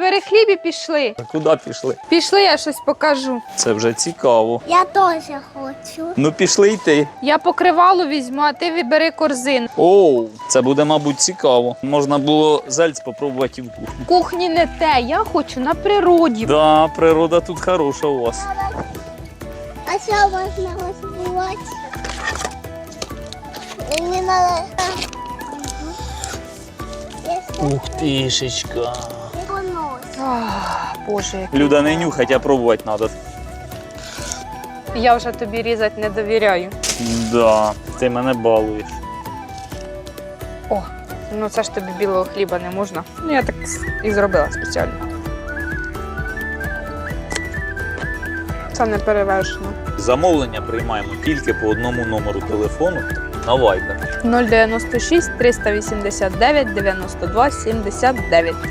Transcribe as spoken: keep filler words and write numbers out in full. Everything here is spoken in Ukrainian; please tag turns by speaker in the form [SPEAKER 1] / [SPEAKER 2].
[SPEAKER 1] бери хліб і пішли.
[SPEAKER 2] А куди пішли?
[SPEAKER 1] Пішли, я щось покажу.
[SPEAKER 2] Це вже цікаво.
[SPEAKER 3] Я теж хочу.
[SPEAKER 2] Ну пішли й ти.
[SPEAKER 1] Я покривало візьму, а ти вибери корзину.
[SPEAKER 2] Оу, це буде, мабуть, цікаво. Можна було зальць спробувати і в кухні.
[SPEAKER 1] В кухні не те, я хочу на природі.
[SPEAKER 2] Да, природа тут хороша у вас.
[SPEAKER 3] А що можна розбивати? Мені треба...
[SPEAKER 2] Ух тишечка.
[SPEAKER 1] Ах, Боже, який
[SPEAKER 2] Люда, не
[SPEAKER 1] клас.
[SPEAKER 2] нюхать, а пробувати треба.
[SPEAKER 1] Я вже тобі різати не довіряю.
[SPEAKER 2] Да, ти мене балуєш.
[SPEAKER 1] О, ну це ж тобі білого хліба не можна. Ну я так і зробила спеціально. Це не перевершено.
[SPEAKER 2] Замовлення приймаємо тільки по одному номеру телефону на Viber.
[SPEAKER 1] нуль дев'яносто шість триста вісімдесят дев'ять дев'яносто два сімдесят дев'ять.